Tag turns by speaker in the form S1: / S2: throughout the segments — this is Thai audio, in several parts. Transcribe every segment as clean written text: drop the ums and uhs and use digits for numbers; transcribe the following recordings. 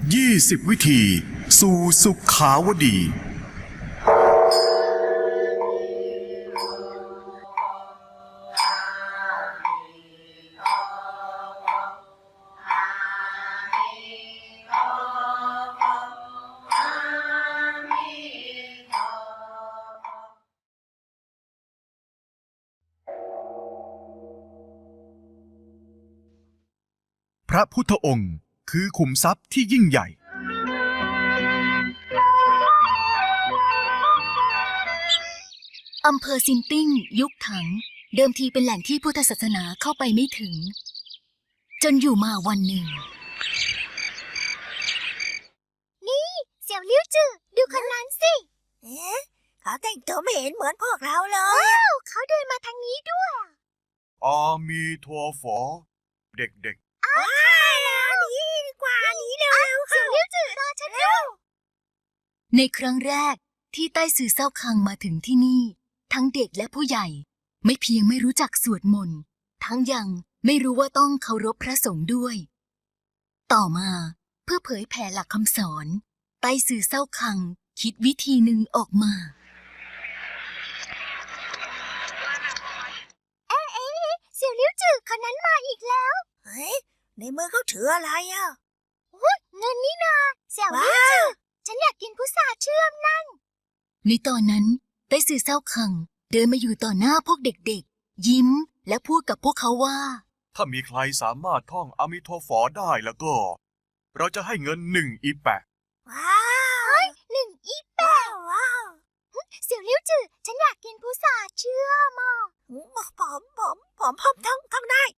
S1: 20 วิธีสู่สุขาวดี พระพุทธองค์คือขุมทรัพย์ที่ยิ่งใหญ่
S2: อำเภอซินติ้งยุคถังเดิมทีเป็นแหล่งที่พุทธศาสนาเข้าไปไม่ถึงจนอยู่มาวันหนึ่ง
S3: นี่เสี่ยวลิ้วจือดูคนนั้นสิเขาแต่งตัวไม่เห็นเหมือนพวกเราเลยว้าวเขาเดินมาทางนี้ด้วย
S1: อามีทัวฝอเด็กๆ
S3: หนีดีกว่าหนีเร็วเสี่ยวลิ้วจือรอฉันด้วย
S2: ในครั้งแรกที่ใต้ซือเศร้าคังมาถึงที่นี่ทั้งเด็กและผู้ใหญ่ไม่เพียงไม่รู้จักสวดมนต์ทั้งยังไม่รู้ว่าต้องเคารพพระสงฆ์ด้วยต่อมาเพื่อเผยแผ่หลักคำสอนใต้ซือเศร้าคังคิดวิธีหนึ่งออกมา
S3: เสี่ยวลิ้วจือคนนั้นมาอีกแล้วเฮ้ยในมือเขาถืออะไรอ่ะเงินนี่นาเสี่ยวลิ้วจือฉันอยากกินพุทราเชื่อมนั่น
S2: ในตอนนั้นใต้ซือเศร้าคังเดินมาอยู่ต่อหน้าพวกเด็กๆยิ้มและพูดกับพวกเขาว่า
S1: ถ้ามีใครสามารถท่องอามิโทฝอได้แล้วก็เราจะให้เงิน1 อีแปะ
S3: ว้าว1 อีแปะว้าวเสี่ยวลิ้วจือฉันอยากกินพุทราเชื่อมผมท่องได้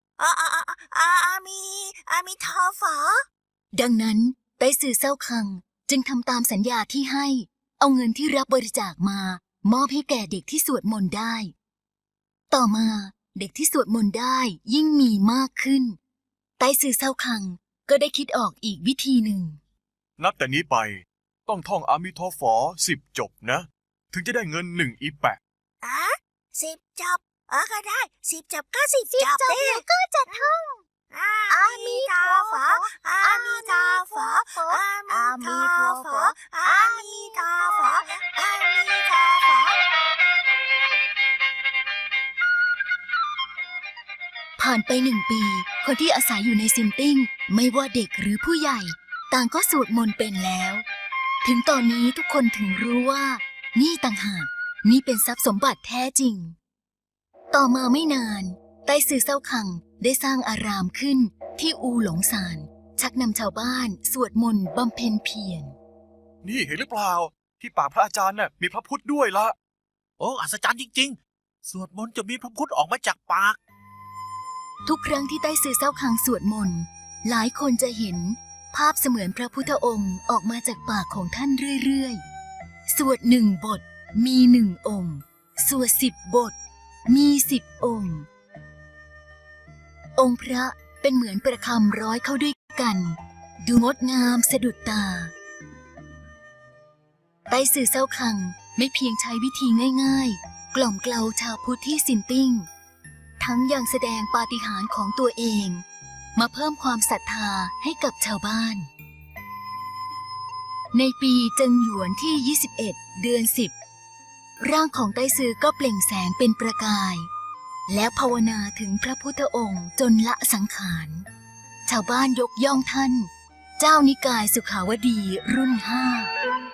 S3: มีทอฝอ
S2: ดังนั้นใต้ซือเศร้าคังจึงทำตามสัญญาที่ให้เอาเงินที่รับบริจาคมามอบให้แก่เด็กที่สวดมนต์ได้ต่อมาเด็กที่สวดมนต์ได้ยิ่งมีมากขึ้นใต้ซือเศร้าคังก็ได้คิดออกอีกวิธีหนึ่ง
S1: นับแต่นี้ไปต้องท่องอามิโทฝอ10 จบนะถึงจะได้เงิน1 อีแปะ
S3: 10 จบก็ได้10 จบก็10 จบแล้วก็จะท่องอามิโทฝออามิโทฝออามิโทฝออามิโทฝออามิโทฝอ
S2: ผ่านไป1 ปีคนที่อาศัยอยู่ในซินติ้งไม่ว่าเด็กหรือผู้ใหญ่ต่างก็สวดมนต์เป็นแล้วถึงตอนนี้ทุกคนถึงรู้ว่านี่ต่างหากนี่เป็นทรัพย์สมบัติแท้จริงต่อมาไม่นานใต้ซือเศร้าคังได้สร้างอารามขึ้นที่อูหลงซานชักนำชาวบ้านสวดมนต์บำเพ็ญเพียร
S1: นี่เห็นหรือเปล่าที่ปากพระอาจารย์น่ะมีพระพุทธด้วยละ
S4: โอ้อัศจรรย์จริงๆสวดมนต์จะมีพระพุทธออกมาจากปาก
S2: ทุกครั้งที่ใต้ซือเศร้าคังสวดมนต์หลายคนจะเห็นภาพเสมือนพระพุทธองค์ออกมาจากปากของท่านเรื่อยๆสวด1 บทมี1 องค์สวด10 บทมี10 องค์องค์พระเป็นเหมือนประคำร้อยเข้าด้วยกันดูงดงามสะดุดตาใต้ซือเศร้าคังไม่เพียงใช้วิธีง่ายๆกล่อมเกลาชาวพุทธที่ซินติ้งทั้งยังแสดงปาฏิหาริย์ของตัวเองมาเพิ่มความศรัทธาให้กับชาวบ้านในปีเจิงหยวนที่21 เดือน 10ร่างของใต้ซือก็เปล่งแสงเป็นประกายและภาวนาถึงพระพุทธองค์จนละสังขารชาวบ้านยกย่องท่านเจ้านิกายสุขาวดีรุ่น 5